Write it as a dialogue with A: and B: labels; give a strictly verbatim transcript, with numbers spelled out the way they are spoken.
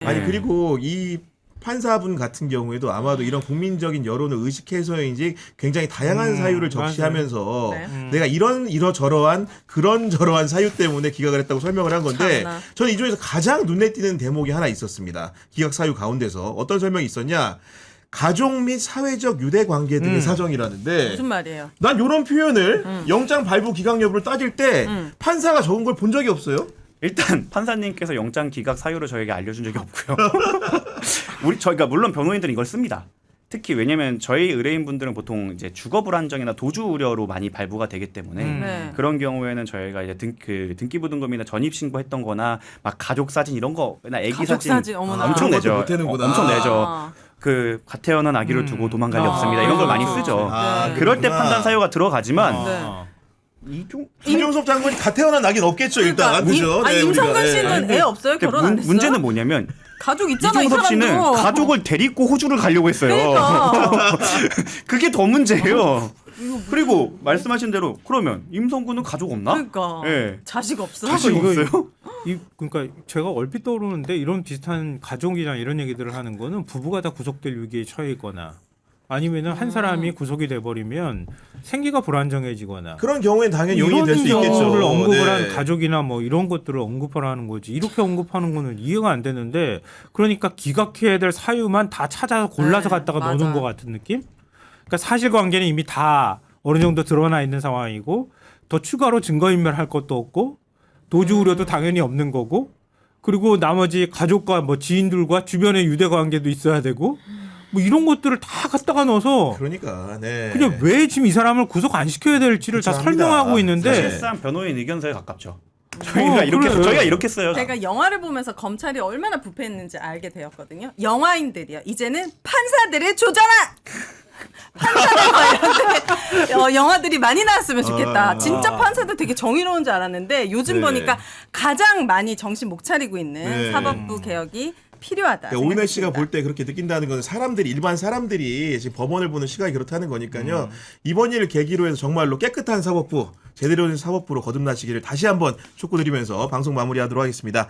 A: 아니 그리고 이 판사분 같은 경우에도 아마도 이런 국민적인 여론을 의식해서인지 굉장히 다양한
B: 음,
A: 사유를 적시하면서
B: 네. 음.
A: 내가 이런 이러저러한 그런 저러한 사유 때문에 기각을 했다고 설명을 한 건데
C: 참나.
A: 저는 이 중에서 가장 눈에 띄는 대목이 하나 있었습니다. 기각 사유 가운데서 어떤 설명이 있었냐? 가족 및 사회적 유대 관계 등의
B: 음.
A: 사정이라는데
C: 무슨 말이에요?
A: 난 이런 표현을
C: 음.
A: 영장 발부 기각 여부를 따질 때
C: 음.
A: 판사가 적은 걸 본 적이 없어요.
D: 일단 판사님께서 영장 기각 사유를 저에게 알려준 적이 없고요. 우리 저희가 물론 변호인들은 이걸 씁니다. 특히 왜냐하면 저희 의뢰인분들은 보통 이제 주거 불안정이나 도주 우려로 많이 발부가 되기 때문에
B: 음.
C: 네.
D: 그런 경우에는 저희가 이제 등, 그 등기부등본이나 전입 신고했던거나 막 가족 사진 이런 거나 아기
C: 가족
D: 사진,
C: 사진, 어머나.
D: 엄청
A: 그런
D: 내죠.
A: 것도 못 해는구나.
D: 어, 엄청 내죠.
C: 아.
D: 그 갓태어난 아기를
B: 음.
D: 두고 도망갈 리
B: 아,
D: 없습니다. 이런 걸 많이
B: 그렇죠.
D: 쓰죠.
A: 아,
C: 네.
D: 그럴 때
A: 그렇구나.
D: 판단 사유가 들어가지만
B: 아.
D: 이종
A: 김종섭 장관이 갓 태어난 낙인 없겠죠 일단
C: 그러니까
A: 그죠?
C: 임, 아니,
A: 네,
C: 임성근
A: 우리가, 네.
C: 씨는 애 없어요?
D: 근데
C: 결혼 안
D: 문,
C: 됐어요?
D: 문제는 뭐냐면
C: 가족 있잖아 이
D: 이종섭 씨는
C: 사람도.
D: 가족을 데리고 호주를 가려고 했어요.
C: 그러니까.
D: 그게 더 문제예요. 그리고 말씀하신 대로 그러면 임성근은 가족 없나?
C: 그러니까
D: 예.
C: 자식 없어?
D: 자식
B: 이거-
D: 없어요?
B: 이 그러니까 제가 얼핏 떠오르는데 이런 비슷한 가족이나 이런 얘기들을 하는 거는 부부가 다 구속될 위기에 처해 있거나 아니면은 한 사람이 구속이 돼 버리면 생계가 불안정해지거나
A: 그런 경우엔 당연히
B: 이런
A: 용인이 될 수 있겠죠.
B: 경우를 언급을
A: 네.
B: 한 가족이나 뭐 이런 것들을 언급을 하는 거지 이렇게 언급하는 거는 이해가 안 되는데 그러니까 기각해야 될 사유만 다 찾아서 골라서
C: 네,
B: 갖다가
C: 맞아.
B: 넣는 것 같은 느낌? 그러니까 사실관계는 이미 다 어느 정도 드러나 있는 상황이고 더 추가로 증거인멸할 것도 없고 도주
C: 음.
B: 우려도 당연히 없는 거고 그리고 나머지 가족과 뭐 지인들과 주변의 유대 관계도 있어야 되고 뭐 이런 것들을 다 갖다가 넣어서
A: 그러니까 네.
B: 그냥 왜 지금 이 사람을 구속 안 시켜야 될지를 다
A: 그렇죠, 합니다.
B: 설명하고 있는데
D: 사실상 변호인 의견서에 가깝죠. 저희가
B: 어,
D: 이렇게
B: 그래.
D: 저희가 이렇게 써요.
C: 제가 영화를 보면서 검찰이 얼마나 부패했는지 알게 되었거든요. 영화인들이요. 이제는 판사들을 조져라. 판사들 관련된 어, 영화들이 많이 나왔으면 좋겠다.
A: 아.
C: 진짜 판사들 되게 정의로운 줄 알았는데 요즘
A: 네.
C: 보니까 가장 많이 정신 못 차리고 있는
A: 네.
C: 사법부 개혁이 필요하다.
A: 그러니까 오인혜 씨가
C: 생각했습니다.
A: 볼 때 그렇게 느낀다는 건 사람들이 일반 사람들이 지금 법원을 보는 시각이 그렇다는 거니까요. 이번 일을 계기로 해서 정말로 깨끗한 사법부, 제대로 된 사법부로 거듭나시기를 다시 한번 촉구드리면서 방송 마무리하도록 하겠습니다.